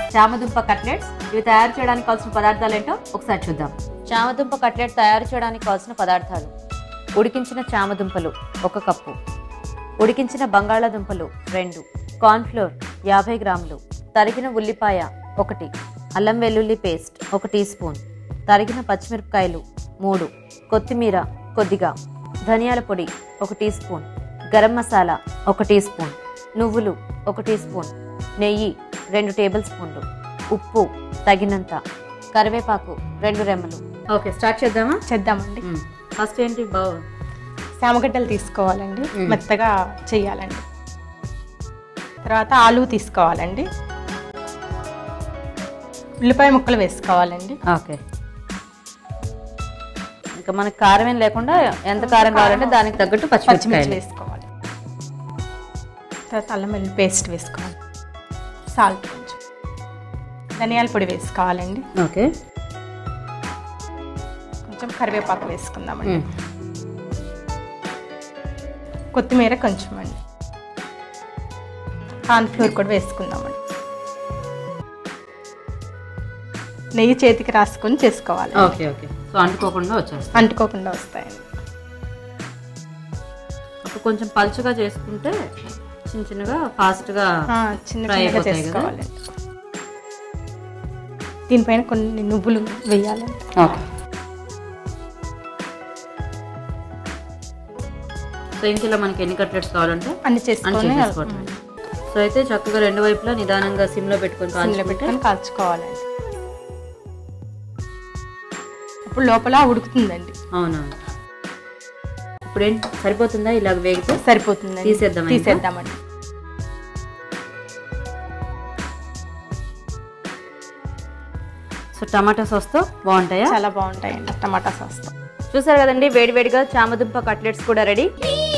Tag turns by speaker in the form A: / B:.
A: చామదుంప cutlets. ఇవి తయారు చేయడానికి కావాల్సిన పదార్థాలు ఏంటో ఒకసారి చూద్దాం. చామదుంప కట్లెట్ తయారు చేయడానికి కావాల్సిన పదార్థాలు: ఉడికించిన చామదుంపలు 1 కప్పు, ఉడికించిన బంగాళాదుంపలు 2, కార్న్ఫ్లోర్ 50 గ్రాములు, తరిగిన ఉల్లిపాయ 1, అల్లం వెల్లుల్లి పేస్ట్ 1 టీ స్పూన్, తరిగిన పచ్చిమిరపకాయలు 3, కొత్తిమీర కొద్దిగా, ధనియాల పొడి 1 teaspoon, garam masala 1 teaspoon, నువ్వులు 1 టీ స్పూన్, నెయ్యి 2 టేబుల్ స్పూన్లు, ఉప్పు తగినంత, కరివేపాకు 2 రెమ్మలు. ఓకే, స్టార్ట్ చేద్దామా?
B: చేద్దామండి.
A: ఫస్ట్ ఏంటి?
B: శామగడ్డలు తీసుకోవాలండి, మెత్తగా చేయాలండి. తర్వాత ఆలు తీసుకోవాలండి, ఉల్లిపాయ ముక్కలు వేసుకోవాలండి.
A: ఓకే, ఇంకా మనకి కారం ఏం లేకుండా ఎంత కారం కావాలంటే దానికి తగ్గట్టు పచ్చిమిర్చి
B: వేసుకోవాలి. తర్వాత అల్లం వెల్లుల్లి పేస్ట్ వేసుకోవాలి, సాల్ట్ కొంచెం, ధనియాల పొడి వేసుకోవాలండి.
A: ఓకే,
B: కొంచెం కరివేపాకు వేసుకుందామండి, కొత్తిమీర కొంచెం అండి, కార్న్ఫ్లోర్ కూడా వేసుకుందామండి. నెయ్యి చేతికి రాసుకొని చేసుకోవాలి.
A: ఓకే ఓకే, సో అంటుకోకుండా
B: వస్తాయండి.
A: అప్పుడు కొంచెం పలుచగా చేసుకుంటే చిన్న చిన్నగా ఫాస్ట్గా
B: చిన్నగా చేసుకోవాలి. దీనిపైన కొన్ని నువ్వులు వేయాలండి.
A: ఓకే, సో ఇంట్లో మనకి ఎన్ని కట్లెట్స్ కావాలంటే
B: అన్ని చేసుకోవాలి.
A: సో అయితే చక్కగా 2 వైపులా నిదానంగా సిమ్లో పెట్టుకొని
B: కాల్చుకోవాలండి. ఇప్పుడు లోపల ఉడుకుతుందండి.
A: అవునవును. ఇప్పుడు ఏంటి, సరిపోతుందా? ఇలాగ వేగితే
B: సరిపోతుంది. తీసేద్దామండి.
A: సో టమాటా సాస్తో బాగుంటాయా?
B: చాలా బాగుంటాయండి టమాటా సాస్తో.
A: చూసారు కదండి, వేడివేడిగా చామదుంప కట్లెట్స్ కూడా రెడీ.